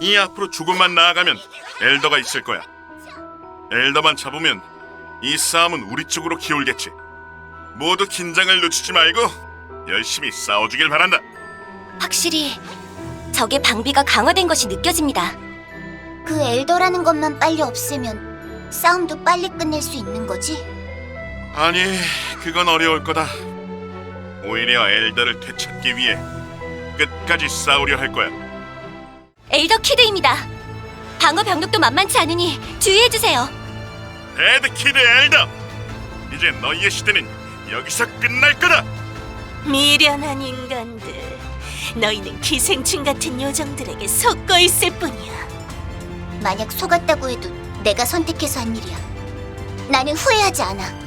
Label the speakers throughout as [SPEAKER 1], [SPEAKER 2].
[SPEAKER 1] 이 앞으로 조금만 나아가면 엘더가 있을 거야. 엘더만 잡으면 이 싸움은 우리 쪽으로 기울겠지. 모두 긴장을 늦추지 말고 열심히 싸워주길 바란다.
[SPEAKER 2] 확실히 적의 방비가 강화된 것이 느껴집니다.
[SPEAKER 3] 그 엘더라는 것만 빨리 없애면 싸움도 빨리 끝낼 수 있는 거지?
[SPEAKER 1] 아니, 그건 어려울 거다. 오히려 엘더를 되찾기 위해 끝까지 싸우려 할 거야.
[SPEAKER 2] 엘더 키드입니다. 방어 병력도 만만치 않으니 주의해주세요.
[SPEAKER 1] 데드키드 엘더! 이제 너희의 시대는 여기서 끝날 거다!
[SPEAKER 4] 미련한 인간들, 너희는 기생충 같은 요정들에게 속고 있을 뿐이야.
[SPEAKER 3] 만약 속았다고 해도 내가 선택해서 한 일이야. 나는 후회하지 않아.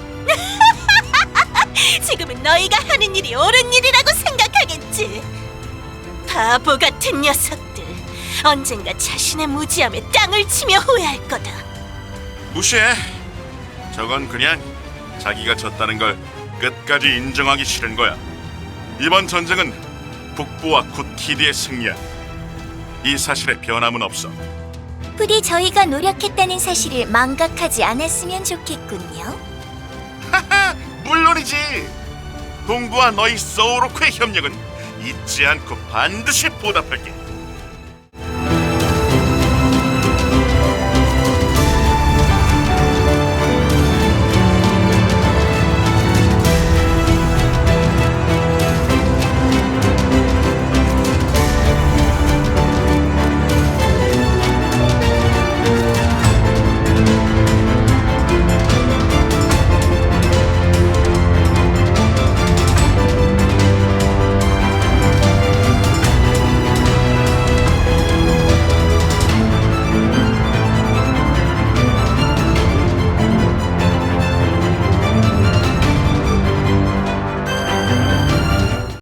[SPEAKER 4] 지금은 너희가 하는 일이 옳은 일이라고 생각하겠지. 바보 같은 녀석들, 언젠가 자신의 무지함에 땅을 치며 후회할 거다.
[SPEAKER 1] 무시해. 저건 그냥 자기가 졌다는 걸 끝까지 인정하기 싫은 거야. 이번 전쟁은 북부와 굿키드의 승리야. 이 사실에 변함은 없어.
[SPEAKER 3] 부디 저희가 노력했다는 사실을 망각하지 않았으면 좋겠군요.
[SPEAKER 1] 하하, 물론이지. 동부와 너희 소우로크의 협력은 잊지 않고 반드시 보답할게.